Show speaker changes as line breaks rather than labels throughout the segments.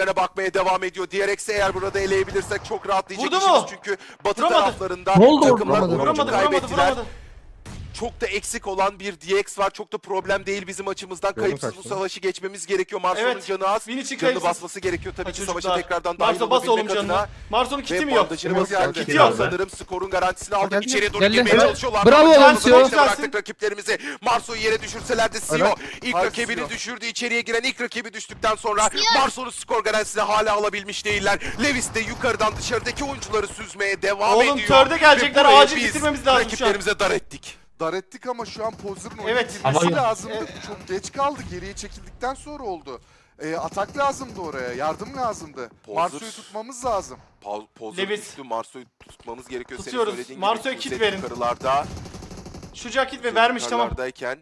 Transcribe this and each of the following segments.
rakiplerine bakmaya devam ediyor. DRX'i eğer burada eleyebilirsek çok rahatlayacak
Vurdu
işimiz
mu?
çünkü batı
Vuramadı.
taraflarında
Ne oldu?
takımlar
Vuramadı.
oyuncu kaybettiler.
Vuramadı.
Çok da eksik olan bir DX var. Çok da problem değil bizim açımızdan.
Gördüm
Kayıpsız bu
kaçtı.
savaşı geçmemiz gerekiyor. Marso'nun
Evet.
canı az.
Win için
Canını
kayıpsız.
basması gerekiyor tabii
Ha,
ki
çocuklar.
savaşa tekrardan dahil
Marso bas oğlum
olabilmek
canını.
adına.
Marso'nun kiti
Ve
mi yok?
bandajını basarken
Kiti
Kenan
yok.
sanırım skorun garantisini aldı.
Geldi.
İçeriye doğru
Geldi.
girmeye
Evet.
çalışıyorlar.
Bravo
Ama
lan
canımızı
Sio.
boşta bıraktık rakiplerimizi. Marso'yu yere düşürseler de Sio
Evet.
ilk
Hadi
rakibini
Sio.
düşürdü. İçeriye giren ilk rakibi düştükten sonra Marso'nun skor garantisini hala alabilmiş değiller. Lewis de yukarıdan dışarıdaki oyuncuları süzmeye devam ediyor.
Oğlum törde gelecekler,
Ve burayı
acil
biz
bitirmemiz lazım şu an.
rakiplerimize dar ettik.
Dar ettik ama şu an Pozer'ın oyuna
Evet.
girmesi
Ama-
lazımdı. Çok geç kaldı. Geriye çekildikten sonra oldu. Atak lazımdı oraya. Yardım lazımdı.
Pozer-
Marso'yu tutmamız lazım.
Pozor
Lewis.
düştü. Marso'yu tutmamız gerekiyor. Senin
Tutuyoruz.
söylediğin
Marso'ya
gibi
kit
Kuzey
verin.
yukarılarda.
Şu cakit ve vermiş tamam.
Yukarılardayken,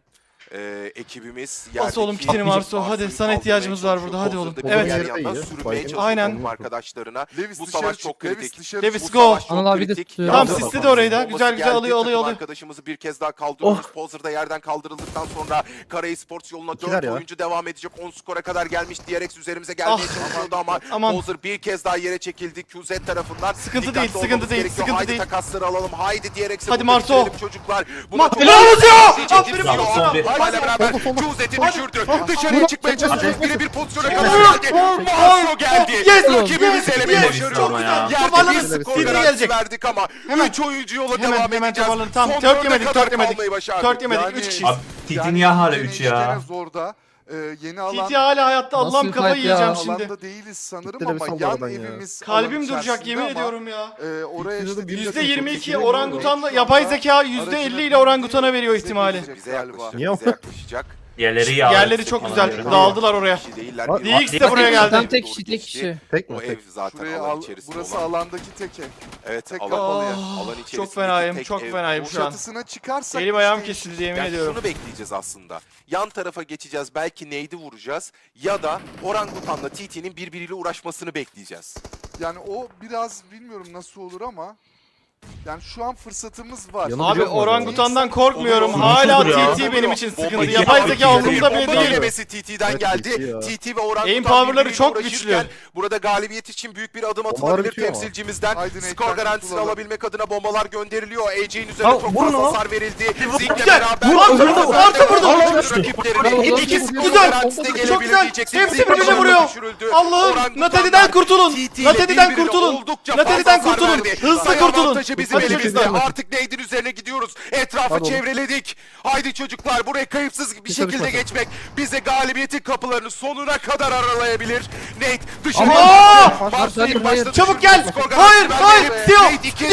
ekibimiz
Bas oğlum
yerdeki
kitini Marso,
Marso'yu
hadi, sana
kaldırmaya
ihtiyacımız var burada, hadi
çalışıyor.
oğlum.
Pozor'da
Evet.
diğer yandan
İyi,
sürmeye
baygın.
çalışıyor
Aynen.
takım arkadaşlarına.
Lewis
Bu
dışarı
savaş
çık.
çok
Lewis
kritik.
dışarı
Lewis
çık.
go.
Savaş çok
Anıl abi de
kritik.
tutuyor.
Tamam,
Yalnız
sisledi orayı da.
bombası
Güzel,
geldi.
alıyor.
Takım arkadaşımızı bir kez daha kaldırıyoruz. Pozor da yerden kaldırıldıktan sonra Kara Esports yoluna 4
İkiler ya.
oyuncu devam edecek. 10 skora kadar gelmiş. DRX üzerimize gelmeye çalışıyordu ama
Aman.
Pozor bir kez daha yere çekildi QZ tarafından.
Sıkıntı
Dikkatli
değil, sıkıntı
olmamız
değil,
gerekiyor.
sıkıntı
Haydi
değil.
takasları alalım. Haydi DRX'e
Hadi
burada
Marso.
bitirelim çocuklar. Buna çok
Helal olsun ya! Aferin
Çekip
bana.
Hala
Hadi.
beraber
Solda.
QZ'yi
Hadi.
düşürdü. Dışarıya çıkmaya çalışıyor. Birebir pozisyona kadar
Hadi.
geldi. Marso geldi.
Yes,
Rakibimiz
yes,
elemeyi
yes.
başarıyor.
Çok güzel.
Yerde
Toparladık.
bir skor
TT
garantisi
gelecek.
verdik ama
Hemen.
3 oyuncu yola
Hemen,
devam
hemen
edeceğiz.
toparladık. Tamam,
Son
tört
dörde
yemedik,
kadar
tört yemedik.
kalmayı başardık.
Tört yemedik, 3 kişiyiz.
Abi Titi niye hala 3 ya?
Gene zorda. Yeni alan
TT hala hayatta,
Nasıl
Allah'ım
bir
kafayı
fight ya?
yiyeceğim şimdi.
alanda değiliz sanırım
Gitti de bir
ama
saldı
yan
oradan ya.
evimiz
Kalbim
alan
duracak
içerisinde
yemin
ama,
ediyorum ya.
Oraya
İkisi de
işte
bir
%22
çok iyi
orangutanla,
oynuyor.
yapay zeka
Aracına
%50 ile
bindi,
orangutana veriyor
bize
ihtimali.
gelecek
Bize
galiba.
yaklaşacak.
Niye o?
Bize yaklaşacak.
Yerleri ya.
Yerleri çok güzel,
göre.
dağıldılar oraya.
Kişi değiller.
Bak,
Bir-
DX de buraya geldi.
Tam tek kişi, tek kişi. Tek mi?
O ev
Tek.
zaten
Şuraya
alan
al,
içerisinde
burası
olan.
alandaki tek ev.
Evet,
tek
alan,
kapalı yer.
alan içerisindeki
Çok fenayım,
tek
çok
ev.
fenayım şu an.
Çatısına çıkarsak
Elim ayağım
işte
kesildi yemin
Yani
ediyorum.
şunu bekleyeceğiz aslında. Yan tarafa geçeceğiz. Belki nade'i vuracağız. Ya da orangutanla TT'nin birbiriyle uğraşmasını bekleyeceğiz.
Yani o biraz bilmiyorum nasıl olur ama yani şu an fırsatımız var.
Yanı-
Abi
Yok mu
orangutandan korkmuyorum.
Olur,
Hala
olur ya.
TT benim için sıkıntı.
Bomba
Yapay
iki-
zeka umurumda bile
bomba
değil.
elemesi TT'den
Evet,
geldi.
TT ya.
TT ve orangutan
Aim power'ları
birbiriyle
çok
uğraşırken
güçlü.
Burada galibiyet için büyük bir adım
Bombalar
atılabilir
bitiyor ama.
temsilcimizden.
Haydi
Skor
Nate'den
garantisini
kurtulalım.
alabilmek adına bombalar gönderiliyor. AJ'in üzerine
Ya,
çok
vurun
fazla
ama.
hasar verildi. Zink'le
Güzel.
beraber
Marso vurdu.
rakiplerini. İki skor
Güzel.
garantisine
Çok
gelebilir
güzel.
diyecektim.
Hepsi
Zink
birbirine
başarılı
vuruyor.
düşürüldü.
Allah'ım,
Orangutanlar
Natali'den kurtulun.
TT ile
Natali'den
birbirine
kurtulun.
oldukça
Natali'den
fazla hasar
kurtulun.
verdi.
Hızlı
Sayı
kurtulun.
avantajı bizim
Hadi
elimizde.
çocuklar.
Artık nade'in üzerine gidiyoruz. Etrafı
Hadi oğlum.
çevreledik. Haydi çocuklar, buraya kayıpsız bir
Bir
şekilde
çalışmasın.
geçmek bize galibiyetin kapılarını sonuna kadar aralayabilir. Nate
Ama-
dışarıya
Aa!
Marso'yu
Hayır,
başta
Çabuk
düşürdü.
gel.
Skor
Hayır,
garantisi
hayır.
verdi.
Theo.
Nate ikinci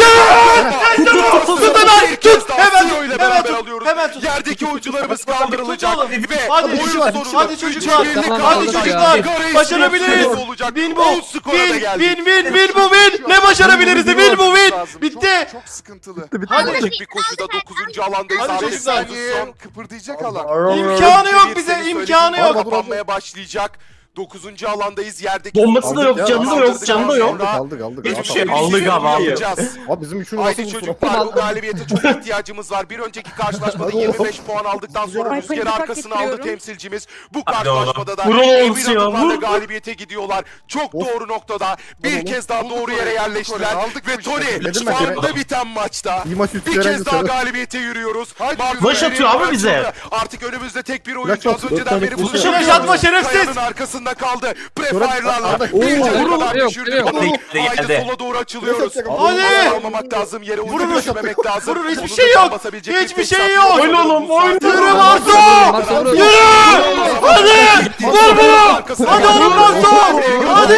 Tutun lan, tut. Hemen
Theo ile
tut, hemen
beraber
tut,
alıyoruz.
hemen tut.
Yerdeki oyuncularımız
Tut
kaldırılacak
oğlum.
ve
Hadi
oyun
çocuklar,
sonunda
hadi çocuklar,
3-1'lik
Tamam,
hadi
kalacak.
çocuklar.
Kara
Başarabiliriz.
Esports olacak.
Win bu.
10 skora da
Win,
geldik.
win bu win. Ne başarabiliriz? Win bu win.
Lazım.
Bitti.
Çok sıkıntılı.
Hadi.
Bir koşuda 9. alandayız.
Hadi
Abi,
çocuklar.
Son kıpırdayacak alan.
İmkanı yok
Bir
bize,
seni
imkanı
söylediğim
yok.
Kapanmaya başlayacak. 9. alandayız. Yerdeki
Bombası da yok, canı da yok, canı da yok.
Aldık aldık.
Hiçbir
Aldık.
şey aldık abi.
Yapacağız.
Abi bizim üçünü
Haydi
nasıl
çocuklar, bu galibiyete çok ihtiyacımız var. Bir önceki karşılaşmada
Hadi oğlum.
25 puan aldıktan sonra
Ay,
rüzgarı
panik
arkasına
atak
aldı
getiriyorum.
temsilcimiz. Bu
Hadi oğlum.
karşılaşmada da
Vur oğlum
emin
Siyah,
adımlarla
vur.
galibiyete gidiyorlar. Çok doğru noktada bir
oğlum.
kez daha doğru yere yerleştiler.
Aldık
Ve
bu
Tony
işi.
Dedim ben
şu anda
kere.
biten maçta
İyi maç üstü
bir
veren
kez daha
götürüyor.
galibiyete yürüyoruz.
Haydi
Marco
Flash atıyor abi
Ferreira
bize.
açıldı. Artık önümüzde tek bir oyuncu. Az
atıyor,
önceden
dört
beri
tane
pozisyon
flash
yapıyordu.
atma şerefsiz.
Kayanın arkasında kaldı. Prefire'larla
Arda-
bir
Oo,
canı
vurun.
kadar
Yok,
düşürdük
yok.
onu.
Geldi,
Haydi
geldi.
sola doğru açılıyoruz.
Hadi.
Almamak lazım, yere
Vurun.
oyunu düşürmemek lazım.
Vurun, hiçbir
Onun
şey
da
yok.
basabilecek bir
Hiçbir
tek
şey
saat
yok.
Oyun oğlum, oyun.
Yürü Marso.
Marso.
Yürü. Hadi. Vur bunu. Hadi oğlum Marso. Hadi.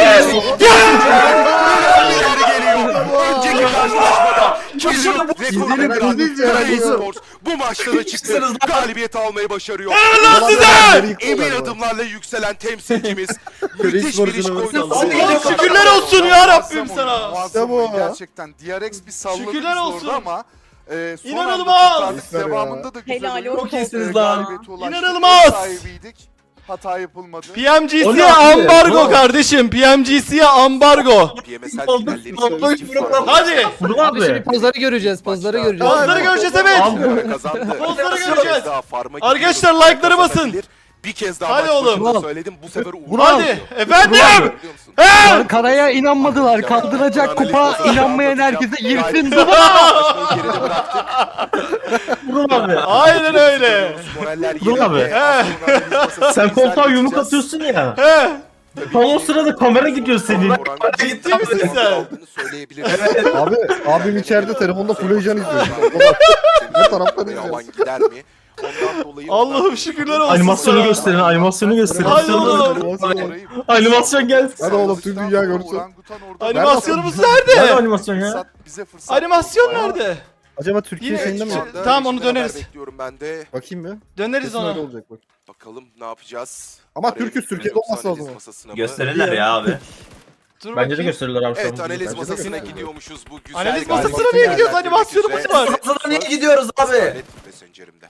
İleri geliyor. Önceki karşılaşmada kesin rekoru
İzleyin,
kıran
izleyin.
Kara Esports bu maçta da çıktı. Galibiyet almayı başarıyor. Emin adımlarla yükselen temsilcimiz müthiş bir iş koydu.
Allah'ım şükürler olsun ya Rabbim sana.
Muazzam
bu.
oyun gerçekten. DRX bir salladı
Şükürler
bizi
olsun.
orada ama son
İnanılmaz.
anda kurtardık. Devamında da güzel
Helal
oyun.
olsun.
Çok iyisiniz lan.
Galibiyete ulaştık.
İnanılmaz.
Ev sahibiydik. Hata yapılmadı.
O
PMGC'ye
ne abi?
ambargo
Ne?
kardeşim. PMGC'ye ambargo.
PMSL
Oldu.
finalleri
Oldu.
için çift var.
Hadi.
Vurun
Abi şimdi
abi.
pozları göreceğiz. Pozları
Maçta-
göreceğiz.
Pozları göreceğiz evet.
Abi.
Kazandı.
Pozları
Bir kez
göreceğiz.
daha farma
Arkadaşlar,
gidiyoruz.
like'ları basın.
Kazanabilir. Bir kez daha
Hadi
maç
oğlum.
başında söyledim. Bu sefer
Hadi efendim.
Biliyor musun?
Lan Kara'ya inanmadılar. Kaldıracak kupa inanmayan herkese yırtın.
Savaşmayı geride bıraktık.
Vurun abi.
Aynen öyle.
Moraller
Dur abi.
yerinde. Aslında analiz masasını
Sen koltuğa
yükselteceğiz.
yumruk atıyorsun ya.
He.
Tam o sırada kamera gidiyor senin.
Ciddi misin sen?
Aldığını söyleyebiliriz.
Abim içeride telefonda full heyecan izliyor.
Ne
taraftan
Aman gider mi? Ondan dolayı
Allah'ım şükürler olsun.
Animasyonu
sana.
gösterin, animasyonu gösterin.
Hadi oğlum.
Animasyon gelsin.
Hadi oğlum, tüm dünya görsün.
Animasyonumuz
Nerede
nerede?
animasyon ya?
Bize fırsat
Animasyon
buldu.
nerede?
Acaba Türkiye
Yine-
şeyinde mi?
Tamam, onu
Haber
döneriz.
Bekliyorum ben de.
Bakayım bir.
Döneriz
Kesin öyle
ona.
olacak bak.
Bakalım ne yapacağız?
Ama
Araya
Türk'üz,
gitmeli
Türkiye'de
yoksa
olması
analiz
lazım.
masasına mı?
Gösterirler ya abi.
Dur
Bence de
bakayım.
gösterirler abi şu
Evet
an.
analiz
Bence de
masasına
gösterirler.
gidiyormuşuz bu güzel.
Analiz
galibiyeti
masasına niye gidiyoruz?
değerlendirmek
Animasyonumuz
üzere.
var.
Masasına niye gidiyoruz abi?
Adalet ve Sencerim'de.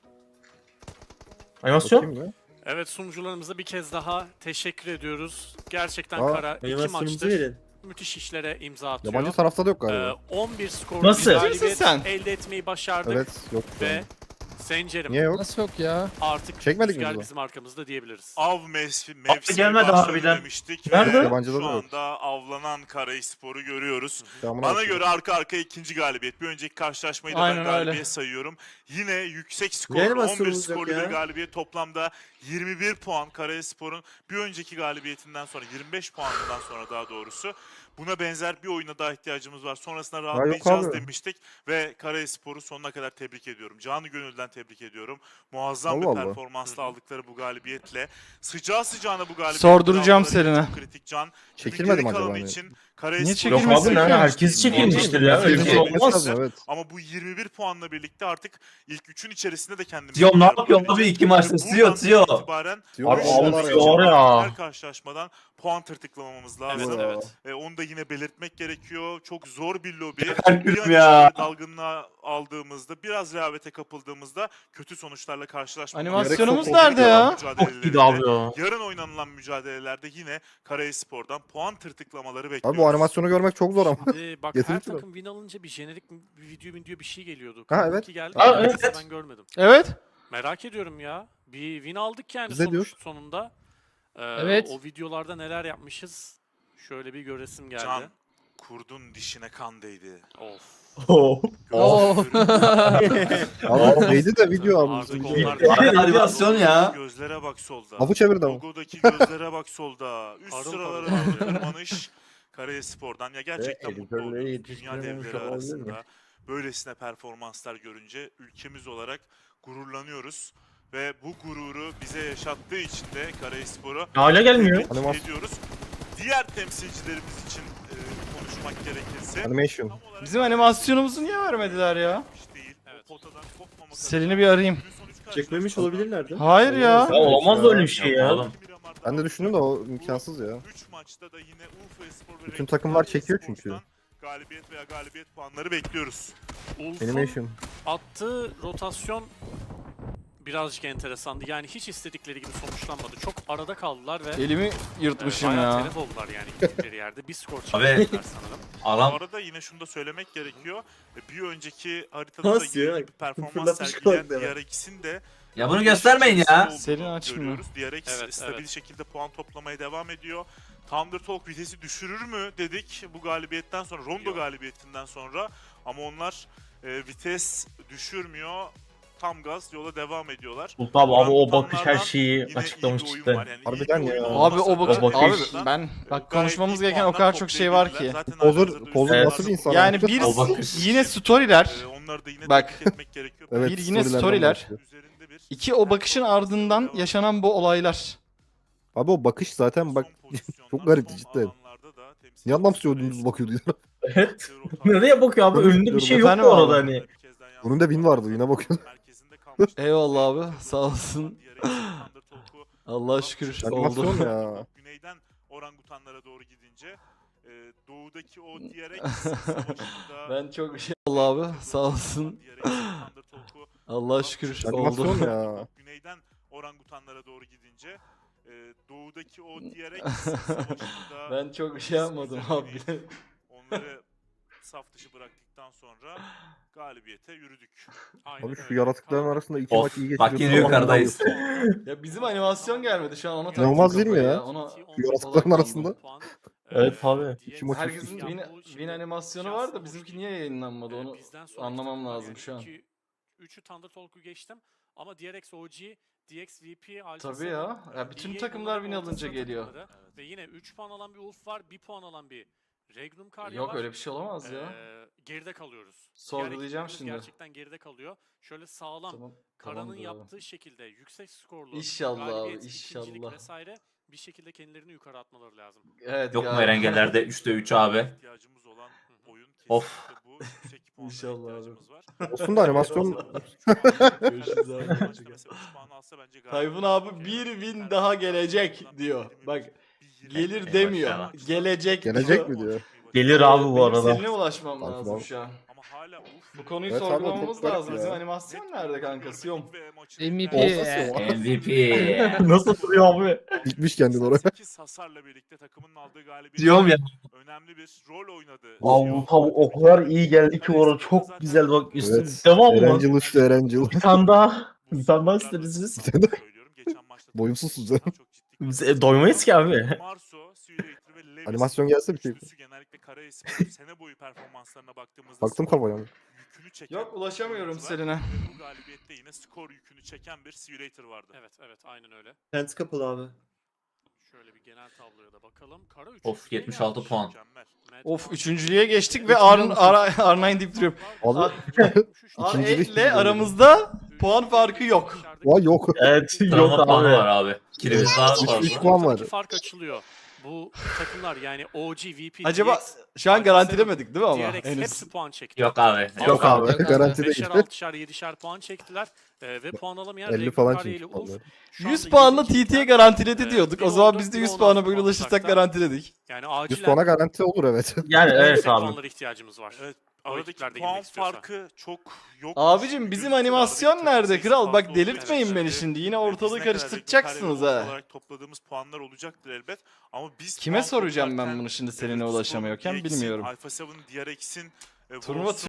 Animasyon?
Bakayım bir.
Evet, sunucularımıza bir kez daha teşekkür ediyoruz. Gerçekten
Aa,
Kara iki maçtır müthiş işlere imza atıyor.
Yabancı tarafta da yok galiba.
11 skor
Nasıl?
galibiyet
Kimsin sen?
elde etmeyi başardık
Evet, yok.
ve Sencerim
Niye yok?
Nasıl yok ya?
artık
Çekmedik mi
rüzgar
biz o?
bizim arkamızda diyebiliriz.
Av mevsimi
gelmedi
başladı
harbiden.
demiştik
Nerede?
ve
Yabancıda
şu
da yok.
anda avlanan Karayispor'u görüyoruz.
Devamını
Bana
açıyorum.
göre arka arkaya ikinci galibiyet. Bir önceki karşılaşmayı da
Aynen
ben
öyle.
galibiyet sayıyorum. Yine yüksek skor,
Yeni
11
basıyoruz yok
skorlu
ya.
bir galibiyet. Toplamda 21 puan Karayispor'un bir önceki galibiyetinden sonra 25 puanından sonra daha doğrusu. Buna benzer bir oyuna daha ihtiyacımız var. Sonrasında rahatlayacağız
abi.
demiştik ve Karayispor'u sonuna kadar tebrik ediyorum. Canı gönülden tebrik ediyorum. Muazzam
Allah
bir
Allah.
performansla aldıkları bu galibiyetle. Sıcağı sıcağına bu galibiyet.
Sorduracağım Selin'e.
Kritik Can.
Çekilmedi mi
Geri
acaba?
kalanı
hani?
için
Niye
Karayispor
Yok
çekilmesin
abi
ki?
ne? Herkes çekilmiştir ya. Öyle bir şey
Çekilmesi
olmaz.
lazım, evet.
ama bu 21 puanla birlikte artık ilk 3'ün içerisinde de kendimizi...
Diyorum ne
yer
yapıyorsun abi
bulabileceğiz.
iki maçta
Buradan
siyo siyo.
itibaren
Diyor,
Abi
Allah
abi
ya.
var ya.
her karşılaşmadan puan tırtıklamamız lazım.
Evet, evet.
Onu da yine belirtmek gerekiyor. Çok zor bir lobi.
Herkülüm
Bir
ya.
ya. Dalgınlığa aldığımızda, biraz rehavete kapıldığımızda kötü sonuçlarla karşılaşmamız.
Animasyonumuz
Gerek yok.
nerede ya?
Çok iyiydi abi ya.
Yarın oynanılan mücadelelerde yine Karayispor'dan puan tırtıklamaları bekliyoruz.
Abi bu animasyonu görmek çok zor ama.
Bak
Getirin
her
şunu.
takım win alınca bir jenerik bir video bir şey geliyordu.
Ha, evet.
Kırmızı geldi.
Ha,
Neyse,
evet.
Ben görmedim.
Evet.
Merak ediyorum ya. Bir win aldık yani
Biz de diyoruz.
sonunda.
Evet.
O videolarda neler yapmışız? Şöyle bir göresim geldi.
Can, kurdun dişine kan değdi.
Of.
Oh.
Oo.
Abi neydi de video abi.
Artık
Video.
onlar
Abi animasyon ya.
Gözlere bak solda.
Lafı çevirdi ama.
Logodaki gözlere bak solda. Üst
Harıl
sıralara
harıl.
doğru tırmanış Karayispor'dan. Ya gerçekten mutlu
editörleri
oldum. Dünya
yetiştirememiş
devleri
olabilir
arasında böylesine performanslar görünce ülkemiz olarak gururlanıyoruz. Ve bu gururu bize yaşattığı için de Karayispor'u
Hala gelmiyor.
tebrik
Animasyon.
ediyoruz. Diğer temsilcilerimiz için konuşmak gerekirse
Animation.
tam olarak
Bizim animasyonumuzu niye vermediler ya?
değil. O potadan kopmamak
Selin'i bir arayayım.
Çekmemiş olabilirlerdi.
Hayır ya.
Ya olamaz öyle bir şey ya.
Oğlum.
Ben de düşündüm de o imkansız ya.
3 maçta da yine Urfaspor ve
Bütün takımlar çekiyor çünkü.
Spor'dan galibiyet veya galibiyet puanları bekliyoruz.
Ulf'un
Animation.
attığı rotasyon birazcık enteresandı. Yani hiç istedikleri gibi sonuçlanmadı. Çok arada kaldılar ve
Elimi yırtmışım
bayağı
ya.
telef oldular yani gittikleri yerde. Bir skor
Abi.
çektiler sanırım.
Bu
Adam
arada yine şunu da söylemek gerekiyor. Bir önceki haritada da
Nasıl
yine
ya?
iyi bir performans
Fırlatmış
sergileyen
kaldı
diğer ikisini de
ya bunu göstermeyin ya.
Selin açmıyor.
görüyoruz. DRX
Evet,
stabil
evet.
şekilde puan toplamaya devam ediyor. Thunder Talk vitesi düşürür mü dedik bu galibiyetten sonra, Rondo
Yok.
galibiyetinden sonra. Ama onlar vites düşürmüyor. Tam gaz yola devam ediyorlar.
Ulti abi o bakış her
Orangutanlardan
şeyi
yine
açıklamış
iyi bir oyun
çıktı.
var. Yani iyi
Harbiden
bir oyun
ya.
Abi o
olmasa
bakış
da
abi
ben
gayet
bak
iyi
konuşmamız gereken o
puanlar
kadar çok şey var ki.
toplayabildiler. Zaten
Pozur,
halihazırda
pozur
üst
nasıl bir insan?
Yani bir
O bakış.
yine storyler,
onları da yine
Bak.
tebrik etmek gerekiyor.
Evet,
bir yine
storylerden
storyler.
başlıyor.
Üzerinde bir
iki o bakışın ardından yaşanan bu olaylar.
Abi o bakış zaten bak çok garipti cidden. Niye anlamsıyor dümdüz bakıyordu ya.
Evet. Nereye bakıyor abi? Önünde bir şey yok
Efendim
bu
abi?
arada hani.
Bunun da win vardı, yine bakıyordu.
Eyvallah abi, sağ olsun. Allah'a şükür
Animasyon
oldu.
ya.
Güneyden orangutanlara doğru gidince doğudaki o DRX savaşında
Ben çok şey Allah abi, sağ olsun. Allah'a şükür
Animasyon
oldu.
ya.
Güneyden orangutanlara doğru gidince doğudaki o DRX savaşında
Ben çok şey yapmadım abi.
onları saf dışı bıraktıktan sonra galibiyete yürüdük.
Aynen
Abi şu
öyle.
yaratıkların
Kara-
arasında 2
Of,
maç iyi
bak
geçiriyorsun.
yine
ama
yukarıdayız.
Ya bizim animasyon gelmedi şu an ona
İnanılmaz
taktım
değil mi
kafayı
ya?
Ona
Şu yaratıkların arasında.
puan.
Evet abi.
İki maç üst
herkesin
üste.
win animasyonu var da bizimki niye yayınlanmadı onu anlamam lazım şu an.
3'ü Thunder Talk'u geçtim ama DRX OG, DX VP, Alpha
Tabii
Seven,
ya. Ya bütün
EA
takımlar win
bunların
alınca
orta sıra
geliyor.
takımları. Ve yine 3 puan alan bir Ulf var, 1 puan alan bir Regnum Karya
Yok
var.
öyle bir şey olamaz ya.
Geride kalıyoruz.
Sorgulayacağım
Diğer ekiplerimiz
şimdi.
Gerçekten geride kalıyor. Şöyle sağlam,
Tamam.
Kara'nın
tamamdır abi.
yaptığı şekilde yüksek skorlu
İnşallah abi,
galibiyet, ikincilik
inşallah.
vesaire bir şekilde kendilerini yukarı atmaları lazım.
Evet,
Yok mu
galiba.
Erengeller'de 3'te 3 abi?
İhtiyacımız olan oyun
Of.
kesinlikle bu. Yüksek puanlara
İnşallah abi.
ihtiyacımız var.
Olsun da animasyon
Görüşürüz abi.
Maçta mesela 3 puan alsa bence gayet
Tayfun
iyi.
abi bir win daha gelecek diyor. Bak gelir demiyor. Gelecek
gelecek mi diyor?
Gelir abi bu
Benim
arada.
seninle ulaşmam
Tamam,
lazım
tamam.
şu an.
Ama hala uf.
Bu konuyu
Evet abi,
sorgulamamız
çok garip
lazım.
ya.
Bizim animasyon nerede kanka? Siyom.
MVP.
MVP.
Nasıl duruyor abi?
Dikmiş kendini oraya.
8 hasarla birlikte takımının aldığı galibiyet
Diyorum ya.
önemli bir rol oynadı.
Abi bu tavuk o kadar iyi geldi ki orada çok güzel bak üstüne
Evet.
devam mı?
Erencil işte Erencil.
Bir tane daha. Bir tane daha isteriz.
Boyumsuzsun sen.
Biz doymayız ki abi.
Marso, Suilator ve Levis
Animasyon gelse bir şey.
üçlüsü genellikle Karayespor'un sene boyu performanslarına baktığımızda
Baktım
skor
kafaya.
yükünü çeken
Yok ulaşamıyorum
oyuncular
Selin'e.
ve bu galibiyette yine skor yükünü çeken bir Suilator vardı.
Evet, evet, aynen öyle.
Lens kapalı abi.
Şöyle bir genel tabloya da bakalım. Kara
Of,
üçüncüye
76
gelmiş.
puan.
Mükemmel.
Mad
Of
Puan.
üçüncülüğe geçtik ve
Üçüncü
R9 deyip duruyorum.
Abi, İkincilik
R8 ile aramızda puan farkı yok.
Vay yok.
Evet yok
Drama puanı var
abi.
abi. Kirimiz daha
Üç
fazla.
puan var.
Ortadaki fark açılıyor. Bu takımlar yani OG, VP,
Acaba
DX,
şu an
Alpha
garantilemedik değil mi ama?
DRX
Henüz.
hepsi puan çekti.
Yok abi.
Yok abi.
Yok abi.
Garanti değil.
5'er, 6'şer, 7'şer puan çektiler. Ve puan alamayan
50
Regnum
falan
Karya ile
çekti
Ulf
vallahi.
şu
100
anda
puanla
7.
TT'ye garantiledi diyorduk. O zaman
1.14,
biz de 100
1.16
puana
puan
böyle ulaşırsak
uzakta.
garantiledik.
Yani
100
acilen
puana garanti olur evet.
Yani evet
yüksek
abi.
puanlara ihtiyacımız var.
Evet,
O
aradaki
ekiplerde
puan
girmek istiyorsa.
farkı çok yok.
Abicim bizim animasyon nerede kral? Bak delirtmeyin beni şimdi. Yine ortalığı karıştıracaksınız ha.
olarak topladığımız puanlar olacaktır elbet. Ama biz
Kime
puan
soracağım ben
toplarken
bunu şimdi Selin'e
Skor'un,
ulaşamıyorken
DX'in,
bilmiyorum.
Alpha 7'in, DRX'in,
Turnuva